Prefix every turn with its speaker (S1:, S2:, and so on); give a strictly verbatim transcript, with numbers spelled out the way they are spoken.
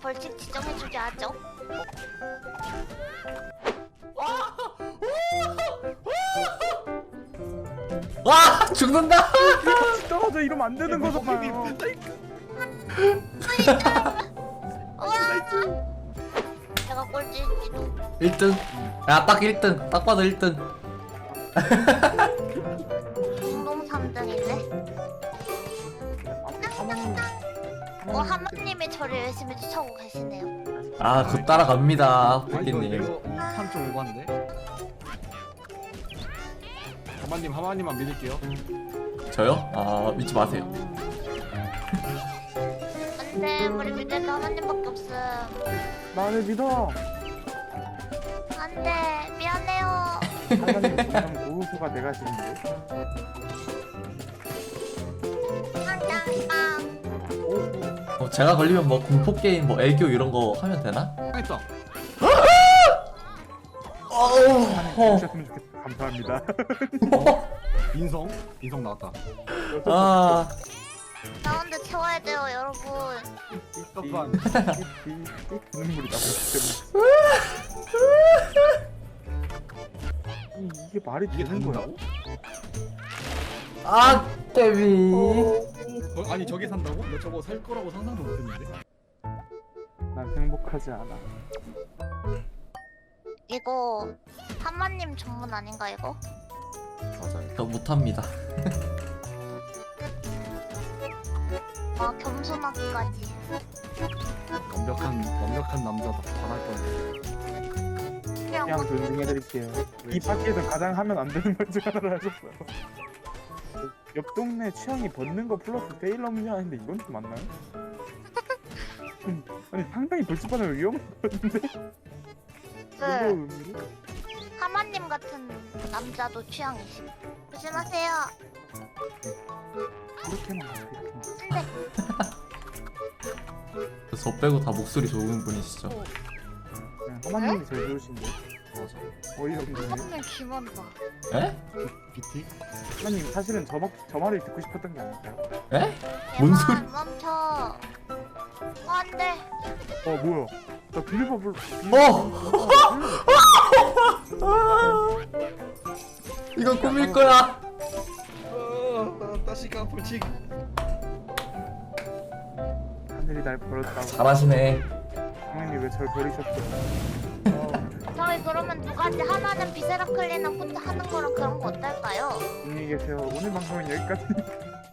S1: 벌칙 지정해주게 하죠.
S2: 와 죽는다.
S3: 떨어져 이러면 안 되는 거잖아요.
S1: 제가 꼴찌일지도.
S2: 일 등. 야 딱 일 등. 딱 봐도 일 등.
S1: 공동 삼 등인데. 어 하마님이 저를 열심히 쫓아오고 계시네요.
S2: 아 곧 따라갑니다
S4: 아 이거
S2: 푸기님.
S4: 이거 판좀 오반데. 하마님 하마님만 믿을게요.
S2: 저요? 아 믿지 마세요.
S1: 안돼 우리 믿을 거 하마님밖에 없음.
S3: 나를 믿어.
S1: 안돼 미안해요.
S3: 하나님 그냥 고우수가 내가 지는데.
S1: 빵빵빵.
S3: 고우수.
S2: 어, 제가 걸리면 뭐 공포 게임 뭐 애교 이런 거 하면 되나?
S4: 했다.
S2: 어우. 어.
S3: 주셨으면 좋겠다. 감사합니다.
S4: 인성 인성 나왔다.
S2: 아
S1: 라운드 채워야 돼요 여러분.
S4: 떡반.
S3: 눈물이 나고 있기 때문에. 이게 말이
S4: 이게
S3: 되는 거야?
S4: 된다고?
S2: 아 데비.
S4: 어, 아니 저게 산다고? 나 저거 살 거라고 상상도 못했는데.
S3: 난 행복하지 않아.
S1: 이거 하마님 전문 아닌가 이거?
S4: 맞아요.
S2: 저 못합니다.
S1: 아 겸손하기까지.
S4: 완벽한 완벽한 남자다. 잘할 거야.
S1: 그냥
S3: 그냥 존중해드릴게요. 이 파티에서 가장 하면 안 되는 것 중 하나를 하셨어요. 옆 동네 취향이 벗는 거 플러스 세일러 문제하는데 이건 좀 맞나요? 음, 아니 상당히 돌직반을 위험한 것 같은데? 이거
S1: 그
S3: 의미로?
S1: 하마님 같은 남자도 취향이심. 조심하세요.
S3: 이렇게만 하세요, 이렇게만.
S1: 근데
S2: 저 빼고 다 목소리 좋은 분이시죠?
S3: 그냥 하마님이 제일 좋으신데
S4: 맞아.
S3: 어이없네.
S1: 하마님 기만다.
S2: 에?
S4: 비티?
S3: 하마님 사실은 저, 말- 저 말을 듣고 싶었던 게 아닐까요?
S2: 에? 뭔 소리?
S1: 멈춰. 어, 안돼.
S3: 어 뭐야 나 빌리버블
S2: 어! 이건 꿈일 거야.
S4: 어, 다시가 벌칙.
S3: 하늘이 날 버렸다고
S2: 잘하시네.
S3: 하나님 왜 절 버리셨어요?
S1: 저희 그러면 두 가지 하나는 비세라클리는 혼자 하는 거랑 그런 거 어떨까요?
S3: 안녕히 계세요. 오늘 방송은 여기까지.